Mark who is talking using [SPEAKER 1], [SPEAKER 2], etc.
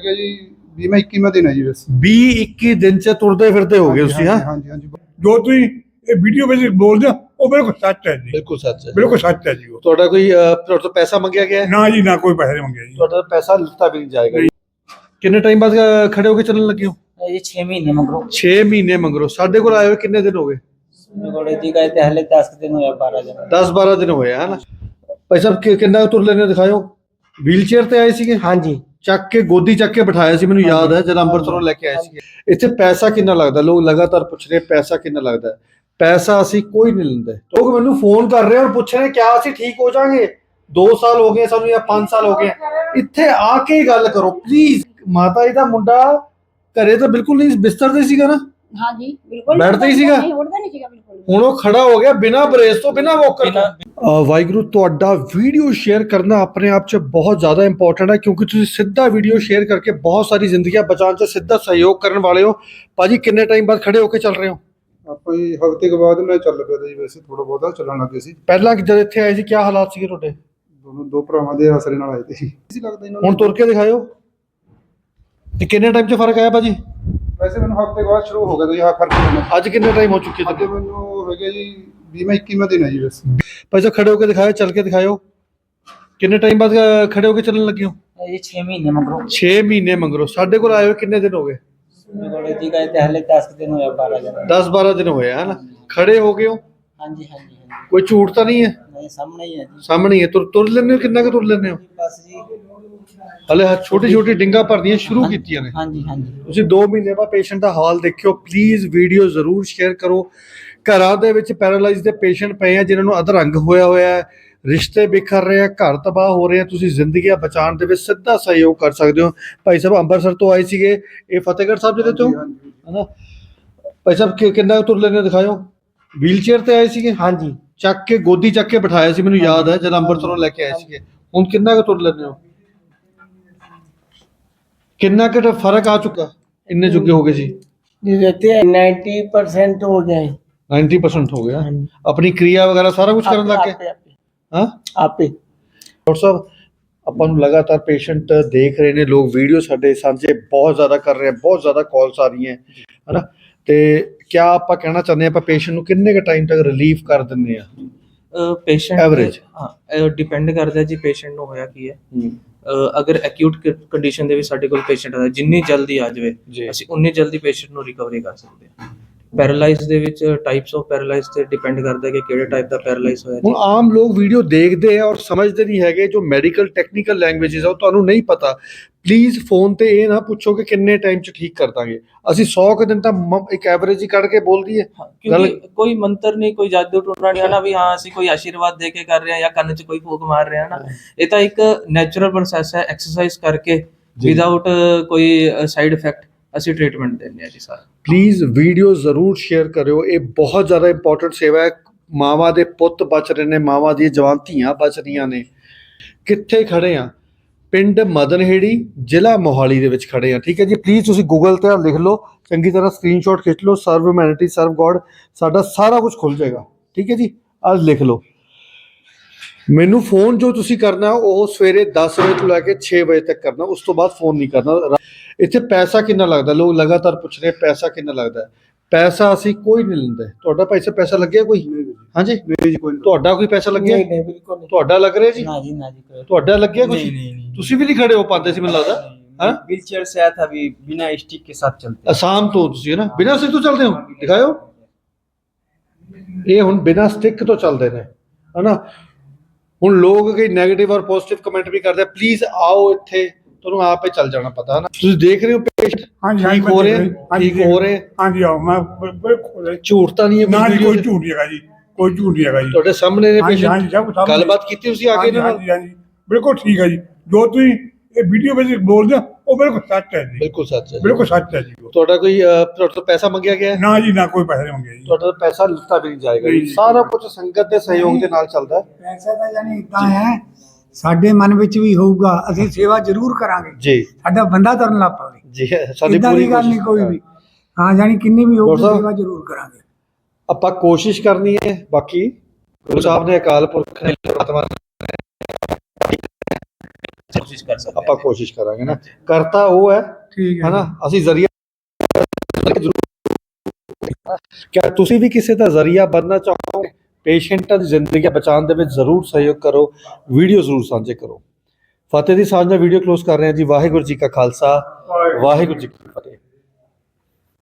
[SPEAKER 1] ਹੈਗਾ ਜੀ 20ਵਾਂ 21ਵਾਂ ਦਿਨ ਹੈ ਜੀ ਬਸ
[SPEAKER 2] 20-21 ਦਿਨ ਚ ਤੁਰਦੇ ਫਿਰਦੇ ਹੋ ਗਏ ਤੁਸੀਂ? ਹਾਂ
[SPEAKER 1] ਹਾਂਜੀ ਹਾਂਜੀ
[SPEAKER 3] ਜੋ ਤੁਸੀਂ ਇਹ ਵੀਡੀਓ ਵਿੱਚ ਬੋਲਦੇ ਹੋ ਉਹ ਬਿਲਕੁਲ ਸੱਚ ਹੈ ਜੀ,
[SPEAKER 2] ਬਿਲਕੁਲ ਸੱਚ ਹੈ।
[SPEAKER 3] ਬਿਲਕੁਲ ਸੱਚ ਹੈ ਜੀ। ਉਹ
[SPEAKER 2] ਤੁਹਾਡਾ ਕੋਈ ਤੁਹਾਡੇ ਤੋਂ ਪੈਸਾ ਮੰਗਿਆ ਗਿਆ ਹੈ?
[SPEAKER 3] ਨਾ ਜੀ ਨਾ, ਕੋਈ ਪੈਸੇ ਨਹੀਂ ਮੰਗੇ ਜੀ।
[SPEAKER 2] ਤੁਹਾਡਾ ਪੈਸਾ ਲਿੱਤਾ ਵੀ ਨਹੀਂ ਜਾਏਗਾ ਜੀ। ਕਿੰਨੇ ਟਾਈਮ ਬਾਅਦ ਖੜੇ ਹੋ ਕੇ ਚੱਲਣ ਲੱਗੇ ਹੋ?
[SPEAKER 4] ये 6 महीने मगरो
[SPEAKER 2] 6 ਮਹੀਨੇ ਮਗਰੋਂ। ਸਾਡੇ ਕੋਲ ਆਏ ਹੋਏ ਕਿੰਨੇ ਦਿਨ ਹੋ ਗਏ?
[SPEAKER 4] गौड़े जी गए थे हले 10 दिन हुए 12 दिन
[SPEAKER 2] 10-12 ਦਿਨ ਹੋਏ ਹੈ ਨਾ। ਭਾਈ ਸਾਹਿਬ ਕਿੰਨਾ ਤੁਰ ਲੈਣੇ ਦਿਖਾਓ। ਵੀਲ ਚੇਅਰ ਤੇ ਆਏ ਸੀਗੇ?
[SPEAKER 4] हाँ जी
[SPEAKER 2] ਚੱਕ ਕੇ ਗੋਦੀ ਚੱਕ ਕੇ ਬਿਠਾਇਆ ਸੀ, ਮੈਨੂੰ ਯਾਦ ਹੈ ਜਦ ਅੰਮ੍ਰਿਤਸਰੋਂ ਲੈ ਕੇ ਆਏ ਸੀਗੇ। ਇੱਥੇ ਪੈਸਾ ਕਿੰਨਾ ਲੱਗਦਾ? ਲੋਕ ਲਗਾਤਾਰ ਪੁੱਛ ਰਹੇ ਪੈਸਾ ਕਿੰਨਾ ਲੱਗਦਾ ਹੈ। ਪੈਸਾ ਅਸੀਂ ਕੋਈ ਨਹੀਂ ਲੈਂਦੇ। ਲੋਕ ਮੈਨੂੰ ਫੋਨ ਕਰ ਰਹੇ ਔਰ ਪੁੱਛ ਰਹੇ ਕਿਆ ਅਸੀਂ ਠੀਕ ਹੋ ਜਾਾਂਗੇ? 2 ਸਾਲ ਹੋ ਗਏ ਸਾਨੂੰ ਜਾਂ 5 ਸਾਲ ਹੋ ਗਏ। ਇੱਥੇ ਆ ਕੇ ਹੀ ਗੱਲ ਕਰੋ ਪਲੀਜ਼। ਮਾਤਾ ਜੀ ਦਾ ਮੁੰਡਾ ਘਰੇ ਤਾਂ ਬਿਲਕੁਲ ਨਹੀਂ, ਬਿਸਤਰ ਤੇ ਸੀਗਾ ਨਾ?
[SPEAKER 5] हाँ जी बिल्कुल
[SPEAKER 2] बैठता ही सीगा?
[SPEAKER 5] नहीं उड़ता नहीं सीगा बिल्कुल।
[SPEAKER 2] ਹੁਣ ਉਹ ਖੜਾ ਹੋ ਗਿਆ ਬਿਨਾਂ ਬ੍ਰੇਸ ਤੋਂ, ਬਿਨਾਂ ਵੋਕਰ ਤੋਂ। ਵਾਹਿਗੁਰੂ, ਤੁਹਾਡਾ ਵੀਡੀਓ ਸ਼ੇਅਰ ਕਰਨਾ ਆਪਣੇ ਆਪ 'ਚ ਬਹੁਤ ਜ਼ਿਆਦਾ ਇੰਪੋਰਟੈਂਟ ਹੈ, ਕਿਉਂਕਿ ਤੁਸੀਂ ਸਿੱਧਾ ਵੀਡੀਓ ਸ਼ੇਅਰ ਕਰਕੇ ਬਹੁਤ ਸਾਰੀ ਜ਼ਿੰਦਗੀਆਂ ਬਚਾਉਣ 'ਚ ਸਿੱਧਾ ਸਹਿਯੋਗ ਕਰਨ ਵਾਲੇ ਹੋ। ਭਾਜੀ ਕਿੰਨੇ ਟਾਈਮ ਬਾਅਦ ਖੜੇ ਹੋ ਕੇ ਚੱਲ ਰਹੇ ਹੋ?
[SPEAKER 1] ਆਪਾਂ ਜੀ ਹਫ਼ਤੇ ਕੇ ਬਾਅਦ ਮੈਂ ਚੱਲ ਪਿਆ ਤਾ ਜੀ, ਵੈਸੇ ਥੋੜਾ ਬਹੁਤਾ ਚੱਲਣ ਲੱਗੇ ਸੀ।
[SPEAKER 2] ਪਹਿਲਾਂ ਜਦ ਇੱਥੇ ਆਏ ਸੀ ਕੀ ਹਾਲਾਤ ਸੀਗੇ ਤੁਹਾਡੇ?
[SPEAKER 1] ਦੋ ਭਰਾਵਾਂ ਦੇ ਆਸਰੇ ਨਾਲ ਆਏ ਤੇ ਸੀ ਲੱਗਦਾ ਇਹਨਾਂ
[SPEAKER 2] ਹੁਣ ਤੁਰ ਕੇ ਦਿਖਾਇਓ। ਤੇ ਕਿੰਨੇ ਟਾਈਮ 'ਚ ਫਰਕ ਆਇਆ ਭਾਜੀ?
[SPEAKER 1] ਵੈਸੇ ਮੈਨੂੰ ਹਫ਼ਤੇ ਬਾਅਦ ਸ਼ੁਰੂ ਹੋ ਗਿਆ ਤਾਂ ਜੀ ਫਰਕ ਪੈਣਾ।
[SPEAKER 2] ਅੱਜ ਕਿੰਨੇ ਟਾਈਮ ਹੋ ਚੁੱਕੇ
[SPEAKER 1] ਅੱਜ ਮੈਨੂੰ ਹੋ ਗਿਆ ਜੀ 20ਵਾਂ 21ਵਾਂ ਦਿਨ ਹੈ ਜੀ ਬਸ।
[SPEAKER 2] ਭਾਈ ਸਾਹਿਬ ਖੜੇ ਹੋ ਕੇ ਦਿਖਾਇਓ, ਚੱਲ ਕੇ ਦਿਖਾਇਓ। ਕਿੰਨੇ ਟਾਈਮ ਬਾਅਦ ਖੜੇ ਹੋ ਕੇ ਚੱਲਣ ਲੱਗੇ ਹੋ?
[SPEAKER 4] ये 6 महीने मगरो
[SPEAKER 2] 6 ਮਹੀਨੇ ਮਗਰੋਂ। ਸਾਡੇ ਕੋਲ ਆਏ ਹੋਏ ਕਿੰਨੇ ਦਿਨ ਹੋ ਗਏ?
[SPEAKER 4] गौड़े जी गए थे हले 10 दिन हुए 12 दिन
[SPEAKER 2] 10-12 ਦਿਨ ਹੋਏ ਹੈ ਨਾ। ਖੜੇ ਹੋ ਗਏ ਹੋ?
[SPEAKER 4] हाँ जी हाँ जी हाँ
[SPEAKER 2] ਕੋਈ ਝੂਠ ਤਾਂ ਨਹੀਂ ਹੈ?
[SPEAKER 4] जी नहीं सामने ही है जी
[SPEAKER 2] ਸਾਹਮਣੇ ਹੀ ਹੈ। ਤੁਰ ਲੈਂਦੇ ਹੋ? ਕਿੰਨਾ ਕੁ ਤੁਰ ਲੈਂਦੇ ਹੋ?
[SPEAKER 4] बस जी
[SPEAKER 2] ਹਲੇ ਛੋਟੀ ਛੋਟੀ ਡਿੰਗਾ ਭਰਨੀਆਂ ਸ਼ੁਰੂ ਕੀਤੀਆਂ ਨੇ।
[SPEAKER 4] हाँ जी हाँ जी
[SPEAKER 2] ਤੁਸੀਂ 2 ਮਹੀਨੇ ਬਾਅਦ ਪੇਸ਼ੈਂਟ ਦਾ ਹਾਲ ਦੇਖਿਓ। ਪਲੀਜ਼ ਵੀਡੀਓ ਜ਼ਰੂਰ ਸ਼ੇਅਰ ਕਰੋ। ਘਰਾਂ ਦੇ ਵਿੱਚ ਪੈਰਾਲਾਈਜ਼ ਦੇ ਪੇਸ਼ੈਂਟ ਪਏ ਆ ਜਿਨ੍ਹਾਂ ਨੂੰ ਅਧਰੰਗ ਹੋਇਆ ਹੈ, ਰਿਸ਼ਤੇ ਬਿਖਰ ਰਹੇ ਆ, ਘਰ ਤਬਾਹ ਹੋ ਰਹੇ ਆ। ਤੁਸੀਂ ਜ਼ਿੰਦਗੀਆਂ ਬਚਾਉਣ ਦੇ ਵਿੱਚ ਸਿੱਧਾ ਸਹਿਯੋਗ ਕਰ ਸਕਦੇ ਹੋ। ਭਾਈ ਸਾਹਿਬ ਅੰਮ੍ਰਿਤਸਰ ਤੋਂ ਆਏ ਸੀਗੇ, ਇਹ ਫਤਿਹਗੜ੍ਹ ਸਾਹਿਬ ਜਿਹੜੇ ਤੋਂ ਹਨਾ। ਭਾਈ ਸਾਹਿਬ ਕਿੰਨਾ ਤੁਰ ਲੈਣੇ ਦਿਖਾਇਓ। ਵੀਲ ਚੇਅਰ ਤੇ ਆਏ ਸੀਗੇ?
[SPEAKER 4] हाँ जी
[SPEAKER 2] ਚੱਕ ਕੇ ਗੋਦੀ ਚੱਕ ਕੇ ਬਿਠਾਇਆ ਸੀ, ਮੈਨੂੰ ਯਾਦ ਹੈ ਜਦ ਅੰਮ੍ਰਿਤਸਰੋਂ ਲੈ ਕੇ ਆਏ ਸੀਗੇ। ਹੁਣ ਕਿੰਨਾ ਕੁ ਤੁਰ ਲੈਂਦੇ ਹੋ? ਕਿੰਨਾ ਕੁ ਫਰਕ ਆ ਚੁੱਕਾ? ਇੰਨੇ ਜੁਗੇ ਹੋ ਗਏ ਸੀ?
[SPEAKER 4] रहते हैं 90% हो गए
[SPEAKER 2] 90% ਹੋ ਗਿਆ।
[SPEAKER 4] हाँ जी
[SPEAKER 2] ਆਪਣੀ ਕਿਰਿਆ ਵਗੈਰਾ ਸਾਰਾ ਕੁਝ ਕਰਨ ਲੱਗ ਗਏ? ਹਾਂ
[SPEAKER 4] आपे
[SPEAKER 2] ਡਾਕਟਰ ਸਾਹਿਬ, ਆਪਾਂ ਨੂੰ ਲਗਾਤਾਰ ਪੇਸ਼ੈਂਟ ਦੇਖ ਰਹੇ ਨੇ ਲੋਕ, ਵੀਡੀਓ ਸਾਡੇ ਸਾਂਝੇ ਬਹੁਤ ਜ਼ਿਆਦਾ ਕਰ ਰਹੇ ਆ, ਬਹੁਤ ਜ਼ਿਆਦਾ ਕਾਲਸ ਆ ਰਹੀਆਂ ਹੈ ਨਾ। ਤੇ ਕਿਆ ਆਪਾਂ ਕਹਿਣਾ ਚਾਹੁੰਦੇ ਆਪਾਂ ਪੇਸ਼ੈਂਟ ਨੂੰ ਕਿੰਨੇ ਕੁ ਟਾਈਮ ਤੱਕ ਰਿਲੀਫ ਕਰ ਦਿੰਦੇ ਆ?
[SPEAKER 6] Patient
[SPEAKER 2] Average?
[SPEAKER 6] ਹਾਂ ਡਿਪੈਂਡ ਕਰਦਾ ਜੀ ਪੇਸ਼ੈਂਟ ਨੂੰ ਹੋਇਆ ਕੀ ਹੈ। ਅਗਰ ਐਕਿਊਟ ਕੰਡੀਸ਼ਨ ਦੇ ਵਿੱਚ ਸਾਡੇ ਕੋਲ ਪੇਸ਼ੈਂਟ ਆਦਾ, ਜਿੰਨੀ ਜਲਦੀ ਆ ਜਾਵੇ
[SPEAKER 2] ਜੀ।
[SPEAKER 6] ਅਸੀਂ ਉਨੀ ਜਲਦੀ ਪੇਸ਼ੈਂਟ ਨੂੰ ਰਿਕਵਰੀ ਕਰ ਸਕਦੇ ਹਾਂ। ਪੈਰਾਲਾਈਜ਼ ਦੇ ਵਿੱਚ ਟਾਈਪਸ ਆਫ ਪੈਰਾਲਾਈਜ਼ ਤੇ ਡਿਪੈਂਡ ਕਰਦਾ ਕਿ ਕਿਹੜੇ ਟਾਈਪ ਦਾ ਪੈਰਾਲਾਈਜ਼ ਹੋਇਆ।
[SPEAKER 2] ਹੁਣ ਆਮ ਲੋਕ ਵੀਡੀਓ ਦੇਖਦੇ ਆ ਔਰ ਸਮਝਦੇ ਨਹੀਂ ਹੈਗੇ, ਜੋ ਮੈਡੀਕਲ ਟੈਕਨੀਕਲ ਲੈਂਗੁਏਜਸ ਆ ਉਹ ਤੁਹਾਨੂੰ ਨਹੀਂ ਪਤਾ। ਪਲੀਜ਼ ਫੋਨ ਤੇ ਇਹ ਨਾ ਪੁੱਛੋ ਕਿ ਕਿੰਨੇ ਟਾਈਮ 'ਚ ਠੀਕ ਕਰ ਦਾਂਗੇ। ਅਸੀਂ 100 ਕੁ ਦਿਨ ਤਾਂ ਇੱਕ ਐਵਰੇਜ ਹੀ ਕੱਢ ਕੇ ਬੋਲ ਦਈਏ।
[SPEAKER 6] ਕਿਉਂਕਿ ਕੋਈ ਮੰਤਰ ਨਹੀਂ, ਕੋਈ ਜਾਦੂ ਟੂਣਾ ਨਹੀਂ ਹੈ ਨਾ ਵੀ ਹਾਂ ਅਸੀਂ ਕੋਈ ਆਸ਼ੀਰਵਾਦ ਦੇ ਕੇ ਕਰ ਰਹੇ ਹਾਂ ਜਾਂ ਕੰਨ 'ਚ ਕੋਈ ਫੂਕ ਮਾਰ ਰਹੇ ਹਾਂ ਨਾ। ਇਹ ਤਾਂ ਇੱਕ ਨੈਚੁਰਲ ਪ੍ਰੋਸੈਸ ਹੈ, ਐਕਸਰਸਾਈਜ਼ ਕਰਕੇ ਵਿਦਆਊਟ ਕੋਈ ਸਾਈਡ ਇਫੈਕਟ ਅਸੀਂ ਟ੍ਰੀਟਮੈਂਟ ਦਿੰਦੇ ਹਾਂ ਜੀ ਸਾਰਾ।
[SPEAKER 2] ਪਲੀਜ਼ ਵੀਡੀਓ ਜ਼ਰੂਰ ਸ਼ੇਅਰ ਕਰਿਓ। ਇਹ ਬਹੁਤ ਜ਼ਿਆਦਾ ਇੰਪੋਰਟੈਂਟ ਸੇਵਾ ਹੈ। ਮਾਵਾਂ ਦੇ ਪੁੱਤ ਬਚ ਰਹੇ ਨੇ, ਮਾਵਾਂ ਦੀਆਂ ਜਵਾਨ ਧੀਆਂ ਬਚ ਰਹੀਆਂ ਨੇ। ਕਿੱਥੇ ਖੜੇ ਆ? ਪਿੰਡ ਮਦਨਹੇੜੀ, ਜ਼ਿਲ੍ਹਾ ਮੋਹਾਲੀ ਦੇ ਵਿੱਚ ਖੜੇ ਆ। ਠੀਕ ਹੈ ਜੀ, ਪਲੀਜ਼ ਤੁਸੀਂ ਗੂਗਲ ਤੇ ਲਿਖ ਲਓ, ਚੰਗੀ ਤਰ੍ਹਾਂ ਸਕਰੀਨਸ਼ਾਟ ਖਿੱਚ ਲਓ। ਸਰਵ ਹਿਊਮੈਨਿਟੀ ਸਰਵ ਗੋਡ, ਸਾਡਾ ਸਾਰਾ ਕੁਝ ਖੁੱਲ ਜਾਏਗਾ। ਠੀਕ ਹੈ ਜੀ, ਅੱਜ ਲਿਖ ਲਓ। ਮੈਨੂੰ ਫੋਨ ਜੋ ਤੁਸੀਂ ਕਰਨਾ ਉਹ ਸਵੇਰੇ 10 ਵਜੇ ਤੋਂ ਲੈ ਕੇ 6 ਵਜੇ ਤੱਕ ਕਰਨਾ, ਉਸ ਤੋਂ ਬਾਅਦ ਫੋਨ ਨਹੀਂ ਕਰਨਾ। ਇੱਥੇ ਪੈਸਾ ਕਿੰਨਾ ਲੱਗਦਾ? ਲੋਕ ਲਗਾਤਾਰ ਪੁੱਛ ਰਹੇ ਪੈਸਾ ਕਿੰਨਾ ਲੱਗਦਾ। ਪੈਸਾ ਅਸੀਂ ਕੋਈ ਨਹੀਂ ਲੈਂਦੇ। ਤੁਹਾਡਾ ਪੈਸਾ ਲੱਗਿਆ ਕੋਈ? ਹਾਂਜੀ
[SPEAKER 1] ਨਹੀਂ ਜੀ ਕੋਈ
[SPEAKER 2] ਤੁਹਾਡਾ ਕੋਈ ਪੈਸਾ ਲੱਗਿਆ?
[SPEAKER 4] नहीं नहीं बिल्कुल नहीं
[SPEAKER 2] ਤੁਹਾਡਾ ਲੱਗ ਰਿਹਾ ਜੀ?
[SPEAKER 4] ना जी ना जी
[SPEAKER 2] ਤੁਹਾਡਾ ਲੱਗਿਆ ਕੁਝ?
[SPEAKER 4] नहीं
[SPEAKER 2] ਤੁਸੀਂ ਵੀ ਨਹੀਂ ਖੜੇ ਹੋ ਪਾਉਂਦੇ ਸੀ ਮੈਨੂੰ ਲੱਗਦਾ। ਹਾਂ,
[SPEAKER 4] व्हील चेयर से आया था अभी बिना स्टिक के साथ चलते
[SPEAKER 2] ਅਸਾਮ ਤੋਂ ਤੁਸੀਂ ਹੈ ਨਾ, ਬਿਨਾਂ ਸਟਿਕ ਤੋਂ ਚੱਲਦੇ ਹੋ? ਦਿਖਾਓ। ਇਹ ਹੁਣ ਬਿਨਾਂ ਸਟਿਕ ਤੋਂ ਚੱਲਦੇ ਨੇ ਹੈ ਨਾ। ਹੁਣ ਲੋਕ ਕਈ ਨੈਗੇਟਿਵ ਔਰ ਪੋਜ਼ਿਟਿਵ ਕਮੈਂਟ ਵੀ ਕਰਦੇ ਆ। ਪਲੀਜ਼ ਆਓ ਇੱਥੇ, ਤੁਹਾਨੂੰ ਆਪੇ ਚੱਲ ਜਾਣਾ ਪਤਾ ਹੈ ਨਾ। ਤੁਸੀਂ ਦੇਖ ਰਹੇ ਹੋ ਪੇਸ਼ੈਂਟ ਠੀਕ ਹੋ ਰਹੇ, ਠੀਕ ਹੋ ਰਹੇ।
[SPEAKER 3] हाँ जी आओ मैं बिल्कुल
[SPEAKER 2] ਝੂਠ ਤਾਂ ਨਹੀਂ ਹੈ
[SPEAKER 3] ना जी, कोई
[SPEAKER 2] video 'ਚ?
[SPEAKER 3] झूठ नहीं है जी, कोई झूठ नहीं है जी।
[SPEAKER 2] ਤੁਹਾਡੇ ਸਾਹਮਣੇ ਨੇ
[SPEAKER 3] हाँ जी हाँ जी
[SPEAKER 2] ਪੇਸ਼ੈਂਟ।
[SPEAKER 3] सब सामने।
[SPEAKER 2] ਗੱਲਬਾਤ ਕੀਤੀ ਤੁਸੀਂ ਆ ਕੇ ਇਹਨਾਂ
[SPEAKER 3] हाँ
[SPEAKER 2] ਨਾਲ?
[SPEAKER 3] जी हाँ जी बिल्कुल ठीक है जी। जो तुम ये वीडियो में बोलते हो वो बिल्कुल सच है जी,
[SPEAKER 2] ਬਿਲਕੁਲ ਸੱਚ ਹੈ।
[SPEAKER 3] बिल्कुल सच है जी। वो
[SPEAKER 2] ਤੁਹਾਡਾ ਕੋਈ ਤੁਹਾਡੇ ਤੋਂ ਪੈਸਾ ਮੰਗਿਆ ਗਿਆ ਹੈ?
[SPEAKER 3] ना जी ना, कोई पैसे नहीं मंगे जी।
[SPEAKER 2] ਤੁਹਾਡਾ ਪੈਸਾ ਲਿੱਤਾ ਵੀ ਨਹੀਂ ਜਾਏਗਾ ਜੀ।
[SPEAKER 3] ਨਹੀਂ।
[SPEAKER 2] ਸਾਰਾ ਕੁਝ ਸੰਗਤ ਦੇ ਸਹਿਯੋਗ ਦੇ ਨਾਲ ਚੱਲਦਾ ਹੈ
[SPEAKER 7] ਪੈਸਾ ਤਾਂ ਯਾਨੀ ਇਦਾਂ ਹੈ, ਸਾਡੇ ਮਨ ਵਿੱਚ ਵੀ ਹੋਊਗਾ, ਅਸੀਂ ਸੇਵਾ ਜ਼ਰੂਰ ਕਰਾਂਗੇ।
[SPEAKER 2] ਜੀ
[SPEAKER 7] ਸਾਡਾ ਬੰਦਾ ਤੁਰਨ ਲੱਗ ਪਵੇ,
[SPEAKER 2] ਜੀ। ਸਾਡੀ
[SPEAKER 7] ਇਦਾਂ
[SPEAKER 2] ਪੂਰੀ
[SPEAKER 7] ਦੀ ਗੱਲ ਨਹੀਂ
[SPEAKER 2] ਕੋਸ਼ਿਸ਼
[SPEAKER 7] ਕੋਈ ਵੀ। ਹਾਂ ਯਾਨੀ ਕਿੰਨੀ ਵੀ ਹੋਊਗੀ
[SPEAKER 2] ਡਾਕਟਰ ਸਾਹਿਬ,
[SPEAKER 7] ਸੇਵਾ ਜ਼ਰੂਰ ਕਰਾਂਗੇ।
[SPEAKER 2] ਆਪਾਂ ਕੋਸ਼ਿਸ਼ ਕਰਨੀ ਹੈ। ਬਾਕੀ ਗੁਰੂ ਸਾਹਿਬ ਨੇ ਅਕਾਲ ਪੁਰਖ ਨੇ ਪਰਮਾਤਮਾ ਨੇ
[SPEAKER 6] ਕੋਸ਼ਿਸ਼ ਕਰ ਸਕਦੇ
[SPEAKER 2] ਆਪਾਂ ਕੋਸ਼ਿਸ਼ ਕਰਾਂਗੇ ਨਾ, ਕਰਤਾ ਉਹ ਹੈ
[SPEAKER 7] ਠੀਕ ਹੈ
[SPEAKER 2] ਹਨਾ, ਅਸੀਂ ਜ਼ਰੀਆ ਕਿਆ ਤੁਸੀਂ ਵੀ ਕਿਸੇ ਦਾ ਜ਼ਰੀਆ ਬਣਨਾ ਚਾਹੋਗੇ, ਪੇਸ਼ੈਂਟਾਂ ਦੀ ਜ਼ਿੰਦਗੀ ਬਚਾਉਣ ਦੇ ਵਿੱਚ ਜ਼ਰੂਰ ਸਹਿਯੋਗ ਕਰੋ, ਵੀਡੀਓ ਜ਼ਰੂਰ ਸਾਂਝੇ ਕਰੋ। ਫਤਿਹ ਦੀ ਸਾਂਝ ਨਾਲ ਵੀਡੀਓ ਕਲੋਜ਼ ਕਰ ਰਹੇ ਹਾਂ ਜੀ। ਵਾਹਿਗੁਰੂ ਜੀ ਕਾ ਖਾਲਸਾ, ਵਾਹਿਗੁਰੂ ਜੀ ਕੀ ਫਤਿਹ।